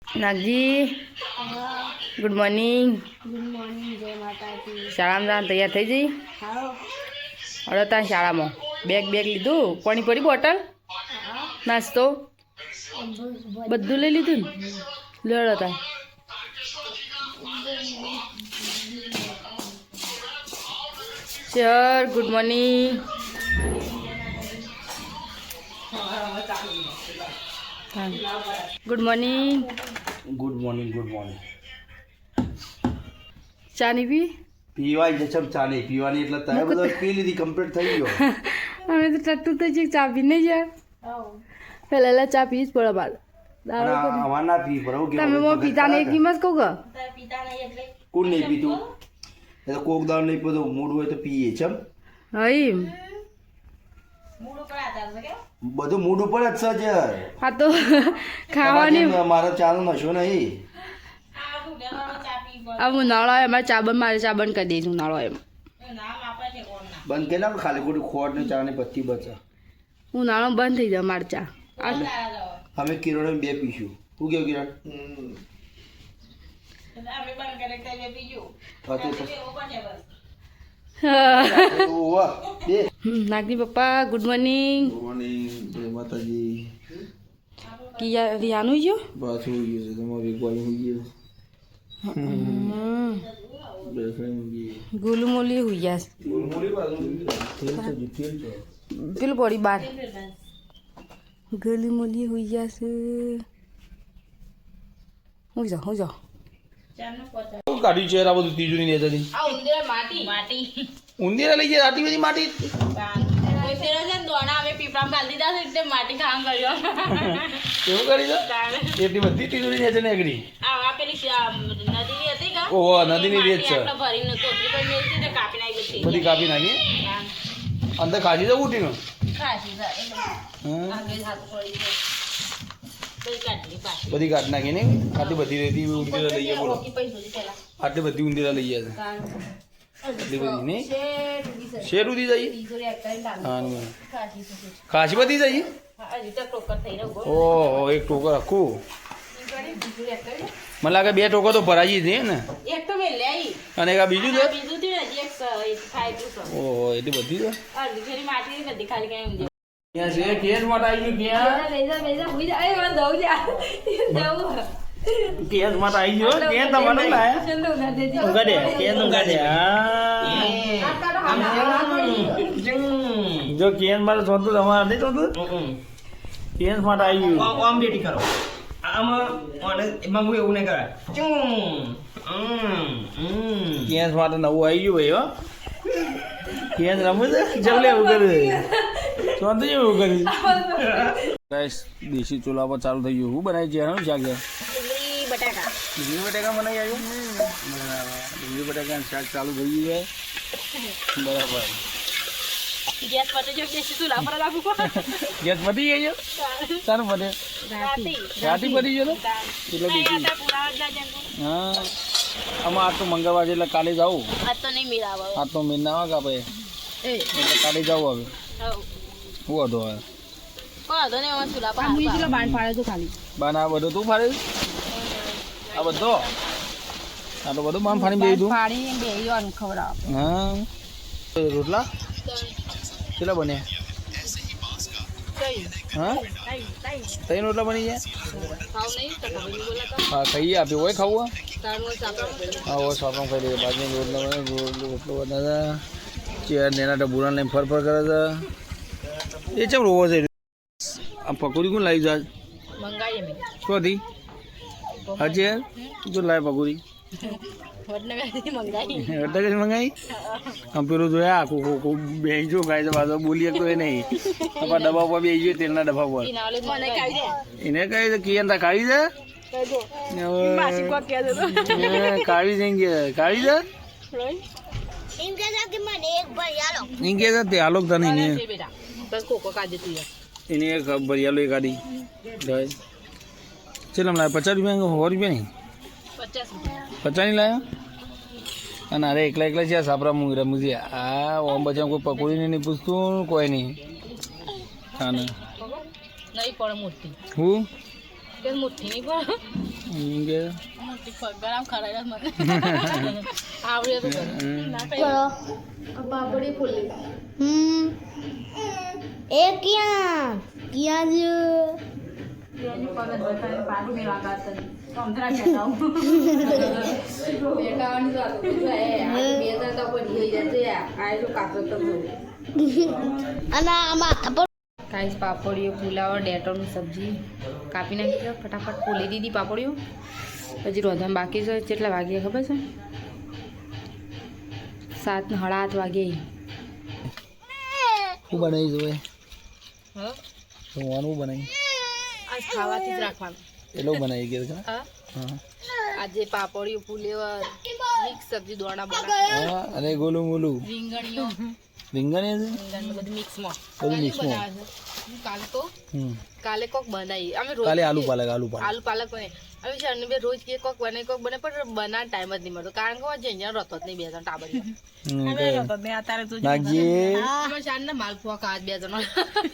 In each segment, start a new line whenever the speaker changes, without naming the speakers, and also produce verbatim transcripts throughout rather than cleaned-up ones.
Nagji good morning.
Good morning. જય માતાજી.
શાળામાં જવાનું તૈયાર થઈ જઈ?
હાલો.
અડો ત્યાં શાળામાં બેગ બેગ લીધું? પાણી પડી બોટલ નાસ્તો બધું લઈ લીધું ને? લડો ત્યાં. Sir good morning. Good morning.
Good morning good morning.
ચા નહીં પી?
પીવાય છે ચમ ચા નહીં પીવાની એટલે તમે બધો પી લીધી કમ્પ્લીટ થઈ ગયો.
અમે તો ટટ્ટુ થઈ છે ચા પી નહીં જાય પહેલા ચા પી જ પડે બાર
અમાર ના પી પર
તમે મો પિતા ને કિંમત કહું કે
કોણ નહીં પીતું એ તો કોક દાળ નહીં પીતું મૂડ હોય તો પીએ ચમ
હઈ
બધું મૂડ ઉપર જ છે.
હા તો ખાવાની
મારો ચાનો નશો નહીં.
હવે ઉનાળો આવે અમારે ચા બંધ મારે ચા બંધ કરી દઈશ ઉનાળો એમ
બંધ કે ના ખાલી ખોટી ખોટ ને ચા ને પત્તી બચા
ઉનાળો બંધ થઈ જાય મારે ચા.
અમે કિરણ બે પીશું. શું કેવું કિરણ?
નાગજી પપ્પા ગુડ મોર્નિંગ.
મોર્નિંગ. જય માતાજી.
કિયા રિયાનું ગયો
બસ હોઈ ગયું છે તમારું એકવાનું હોઈ ગયું.
ગોલું મોલી હોઈ ગયા પેલું પડી બાર ગોલી મોલી હોઈ ગયા છે. હું જાઉં હું જાઉં
કાઢ્યું છે આ બધું તીજુરી ને જતી
માટી માટી
ઉંદીરા લઈ જાય આટલી બધી માટી
માટી કામ કર્યો
કેવું કરી દો એટલી બધી તીજુરી ને છે ને એકડી
આ પેલી નદી હતી કા
ઓહો નદીની રેત છે
ભરીને કોથળી પર મેલતી તે કાપી નાખી ગઈ
બધી કાપી નાખી અંદર ખાજી જવું ઉઠીને
ખાસી સારી આગળ હાથ પડી ગયો બધી કાઢી પાછી
બધી કાઢ નાખી ને આટલી બધી રેતી ઉંદીરા લઈ ગયા બોલો આટલી બધી ઉંદીરા લઈ ગયા છે આટલી બધી ને શેર ઉધી જઈએ હા ખાસી બધી જઈએ ઓહો એક ટોકર આખું મને લાગે બે ટોકર તો ભરાઈ છે ને
એક તો મેં લઈ
અને એક આ બીજું છે
બીજું થી ને એક ફાઈવ
ઓહો એટલી બધી છે
અડધી ઘરી માટી બધી ખાલી કઈ ઊંધી
ક્યાં છે કેસ માટે આવી ગયું ક્યાં
લઈ જા લઈ જા હુઈ જા એ વાત દઉં જા દઉં
કેસ માટે આવી ગયો ત્યાં તમને લાયા
ચંદુ ના દેજી
ઉગાડે કેસ ઉગાડે જો કેસ માટે સોતું તમારે નહીં સોતું કેસ માટે આવી ગયું
આમ બેટી કરો આમાં એમાં હું એવું નહીં કરાય
કેસ માટે નવું આવી ગયું ભાઈ હો કેસ રમવું છે જલ્દી એવું કરે સોતું એવું કરી ગાઈસ દેશી ચૂલા પર ચાલુ થઈ ગયું હું બનાવી છે શું શાક છે
ડુંગળી બટાકા
ડુંગળી બટાકા બનાવી આવ્યું બરાબર ડુંગળી બટાકાનું શાક ચાલુ થઈ ગયું છે બરાબર
ગેસ પતે જો દેશી ચૂલા પર રાખું કો
ગેસ પતી ગઈ છે સારું પતે
રાતી
રાતી પતી ગયો એટલે દેશી હા આમાં આ તો મંગળવાર છે એટલે કાલે જાઉં
આ તો નહીં મિલાવો
આ તો મહિના આવે કાપે
એ
એટલે કાલે જાઉં હવે શું હતો હવે
કોણ તો ને એમાં ચૂલા પર હું ચૂલા બાંધ પાડે તો ખાલી
બાન આ બધું તું ફાડે આ બધો આ તો બધું બાન ફાડી બે દઉં
પાણી બે યોન ખવડાવ
હા રોટલા કેટલા બન્યા હા ત્રણ રોટલા બની ગયા
ખાવ નહીં તો ખબર નહીં બોલા
હા ખાઈએ આપી હોય ખાવું
તારનો સાપડો
હા હોય સાપણ ખાઈ લઈએ બાજુ રોટલા બને રોટલો બનાવે ચેર નેના ડબુરા લઈને ફર ફર કરે છે એ ચમ રોવો છે આ પકોડી કોણ લાવી જાય
મંગાઈએ મે
શોધી હજી જો લાવે પકોડી
વડને વેથી મંગાઈ
એટલે જ મંગાઈ આમ પેલું જોયા આખું ખોખું બેસી જો ગાય તો પાછો બોલીએ તો એ નહીં આપણા ડબ્બા પર બેસી ગયો તેલના ડબ્બા પર
ઇનાલે મને કાઈ દે
એને કહે છે કિયન તા કાઢી દે
કહી દો માસી કો કે દે તો
કાઢી દેંગે કાઢી દે
ઇનકે જા કે મને એક ભર યાલો
ઇનકે જા તે આલોક તને ને
બેટા બસ કોકો કાજે તું
એને એક ભરિયાલો એક આડી જાય ચલમ લાય પચાસ રૂપિયા સો રૂપિયા નહીં
પચાસ રૂપિયા
પચાસ નહીં લાયા અને અરે એકલા એકલા છે સાપરા મુંગરા મુજી આ ઓમ બચાવ કોઈ પકોડીને નહીં પૂછતું કોઈ નહીં હા ને
નહીં પડે મોટી
હું
કે મોટી નહીં પડે
એમ કે
મોટી ગરમ ખરાઈ મને આવડે તો ના કઈ
પાપડી ફૂલી
હમ એ ક્યાં ક્યાં જો
એની પગત બતાવીને પાછું મેં વાગાત સમજરા કહેતા હું
બેટાવાની તો હતું એ આ બે ત્રણ તો કોઈ થઈ જશે આ તો કાપતો તો
અને આમાં પણ
કાંઈ પાપડીઓ પુલાવ ડેટોની સબ્જી કાપી નાખી ફટાફટ ફોલી દીધી પાપડીઓ પછી રોધામાં બાકી છે કેટલા વાગે ખબર છે સાત ને સાડા આઠ વાગે
શું બનાવી જોવે
હા
જમવાનું બનાવી
આજ ખાવાથી જ રાખવાનું
એટલું બનાવી ગયું છે
હા
હા
આજે પાપડીઓ પુલેવર મિક્સ સબ્જી દોણા બના
હા અને ગોલું મોલું
રીંગણીઓ
રીંગણ એ છે
રીંગણ બધું મિક્સમાં
બધું મિક્સમાં
કાલે તો
હમ
કાલે કોક બનાવી અમે રોજ
કાલે આલુ પાલક આલુ પાલક
આલુ પાલક બને અમે છે બે રોજ કે કોક બને કોક બને પણ બનાવ ટાઈમ જ નહીં મળતો કારણ કે જે અહીંયા રહેતો જ નહીં બે જણ ટાબરી
હમ,
મેં
કે
મેં અત્યારે તો
નાખજે
અમે શાન ને માલપુઆ ખાવા બે જણ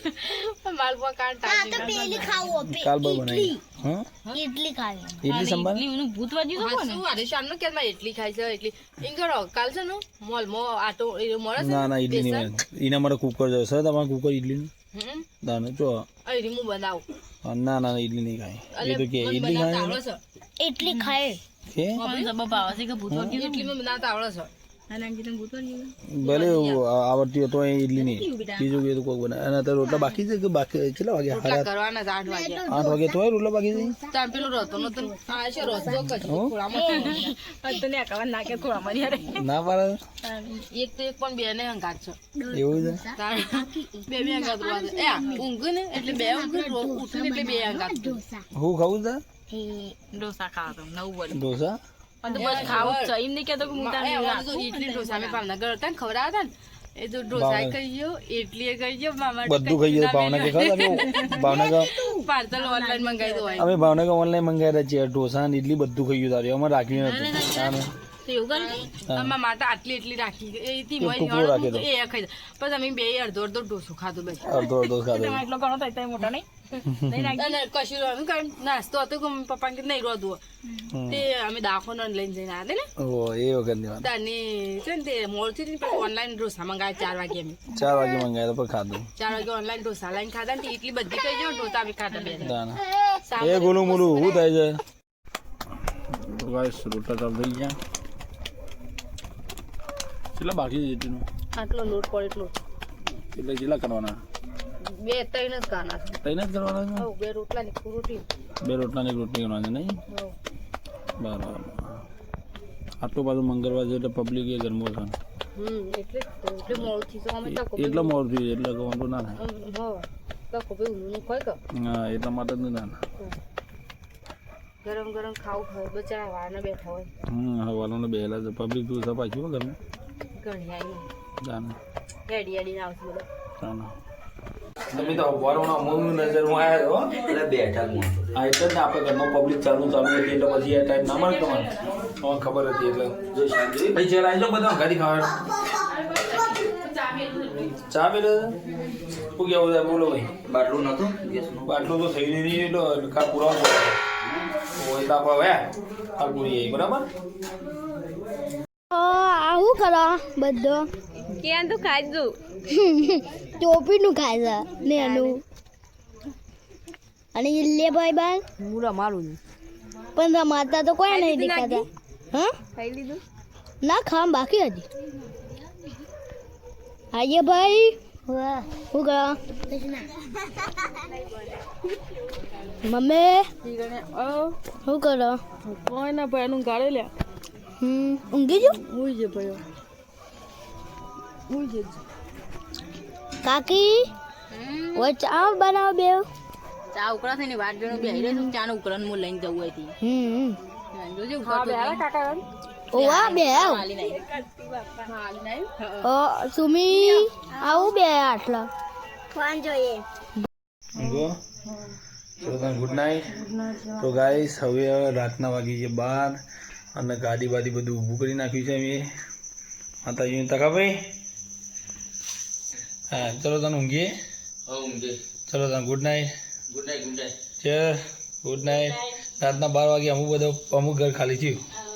માલપુઆ ખાવા ટાઈમ
પેલી ખાવું
કાલ બર બનાવી હા
ઇડલી ખાવી
ઇડલી સંભાર
એનું ભૂત વાજ્યું તો કોને
શું અરે શાન નો કે એટલી ખાય છે એટલી એમ કરો કાલ છે ને મોલ મો આટો એ મળે છે
ના ના ઇડલી નહીં બને. એના માટે કુકર જશે સર તમારે કુકર ઇડલી
હમ
દાનો જો
અહીં હું બનાવું
ના ના ઇડલી નહીં ખાય
અલે
એ તો કે
મને
ઇડલી
બનાવતા
ખાય
આવડે છે
ઇડલી ખાય
કે
કોણ સબબ આવે છે કે ભૂત વાગ્યું
ઇડલીમાં બનાવતા આવડે છે
અને અંજીને ભૂત વાગ્યું
ભલે એવું આવડતી હોય તો એ ઇડલી નહીં બીજું કે તો કોઈ બનાવે અને અત્યારે રોટલા બાકી છે કે બાકી કેટલા વાગે
રોટલા
સાડા
કરવાના જ આઠ વાગે
આઠ વાગે તો હોય રોટલા બાકી છે
તાર પેલું રોતો નતો આ છે રોતો કશું ખોળામાં
તો ને કવન નાખે થોડા મારી યાર
ના પાડે
એક તો એક પણ બે ને હંગાત છે
એવું છે
તાર બે બે હંગાત રોવા છે એ આ ઊંઘ ને એટલે બે ઊંઘ રો ઉઠે ને એટલે બે હંગાત
હું ખાવું છે
ડોસા ખાવા તો નવું બોલ
ઢોસા
પણ તો બસ ખાવું જ છે એમ નહીં કહેતો કે હું
એ
તારે
અમારે તો ઇડલી ઢોસા અમે ભાવનગર હતા ને ખવડાવતા ને એ તો ઢોસા કહી ગયો ઇડલી કહી ગયો મામા
બધું ખાઈ જાય ભાવનગર ખાવ અમે ભાવનગર
પાર્સલ ઓનલાઈન મંગાવી દો
અમે ભાવનગર ઓનલાઈન મંગાવ્યા છીએ ઢોસા ને ઇડલી બધું ખાઈ ગયું તારે અમારે રાખ્યું નથી તારે
તો એવું કરે
અમારા માટે આટલી એટલી રાખી એ થી
એક ટુકડો રાખી દો.
એ ખાઈ પછી અમે બે અડધો અડધો ઢોસો ખાધો બસ
અડધો અડધો ખાધો
તમારે એટલો ઘણો થાય તો મોટો નહીં નહીં રાખી
અને કશું રહ્યું કાંઈ નાસ્તો હતો કે મમ્મી પપ્પા કે નહીં રોધવો તે અમે દાખોનો લઈને જઈને આવ્યા ને
ઓ એ વખત ની વાત
તાની છે ને તે મોડથી ને પછી ઓનલાઈન ઢોસા મંગાવ્યા ચાર વાગે અમે
ચાર વાગે મંગાવ્યા તો પણ ખાધું
ચાર વાગે ઓનલાઈન ઢોસા લાઈન ખાધા ને તે એટલી બધી કઈ જો ઢોસા અમે ખાધા બે જણ.
દાના
સાંભળો.
એ ગોલું મોલું શું થાય છે તો ગાઈસ રોટલા ચાલુ થઈ ગયા કેટલા બાકી છે એટલું
આટલો લોટ પડે એટલો
એટલે કેટલા કરવાના
બે ત્રણ જ ખાના છે
તઈને જ કરવાના છે
હઉ, બે રોટલા ને એક રોટલી
બે રોટલાની એક રોટલી કરવાની છે નહીં
હઉ.
બરાબર આટલું પાછું મંગળવાર છે એટલે પબ્લિક એ ગરમો છે
હમ એટલે જ તો. એટલે મોડું થી તો અમે તકો
એટલો મોડું થયું એટલે કે વાંધો ના થાય
હા તકો ભાઈ ઊંધું ખોય કે
હા એટલા માટે જ ના થાય
ગરમ ગરમ ખાવું ખાવ બચારા વાળને બેઠા હોય
હમ હવે વાલોને બેહેલા છે પબ્લિક તું સપાઈ હો ઘરમાં
ઘણી આવી
જાને
હેડી હેડીને આવશે બધા
જાને તમે તો વારોના મોનું નજરમાં આવ્યા હો
એટલે બેઠા હું
હા એટલે જ ને આપણે ઘરમાં પબ્લિક ચાલુ ચાલુ હતી એટલે પછી એ ટાઈમ ના મળે તમારે તમારે ખબર હતી એટલે
જો શાંતિ
ભાઈ ચલ આવી જાઓ બધા ઘરે ખાવા ચા પી લે શું કેવું છે બોલો ભાઈ
બાટલું નતું ગેસનું
આટલું તો થઈ નહીં એટલે કાલ પુરાવો હોય તો આપણે હવે કાલ પૂરી આવી બરાબર
આવું કરો બધો
ક્યાં તો ખાઈ દઉં
ટોપીનું ખાય છે ને એનું અને ઇલ્લે ભાઈ બાર
હું રમાડું છું
પણ રમાતા તો કોઈ નહીં દેખાતા હા
ખાઈ લીધું
ના ખામ બાકી હજી આઈએ ભાઈ શું કરો મમ્મી શું કરો
કોઈ ના ભાઈ એનું ગાળે લ્યા
હમ ઊંઘી જો
હું છે ભાઈ હું છે
કાકી ઓય ચા બનાવો બે
ચા ઉકળા થઈને વાત જોઈને બેહી રહી છું ચા નો ઉકળાને હું લઈને જવું હતી
હમ
જોજો કાકા
ઓવા બે
હાલી નહીં
ઓ સુમી આવું બે આટલા ફોન જોઈએ
ગો ચલો ગુડ નાઇટ તો ગાઈસ હવે રાતના વાગી છે બાર અને ગાડી બાડી બધું ઊભું કરી નાખ્યું છે અમે માતાજીને તકા ભાઈ હા ચલો તને ઊંઘીએ
ઊંઘે
ચલો તને good night
good night good night
ચલ ગુડ નાઇટ રાતના બાર વાગે અમુક બધો અમુક ઘર ખાલી થયું.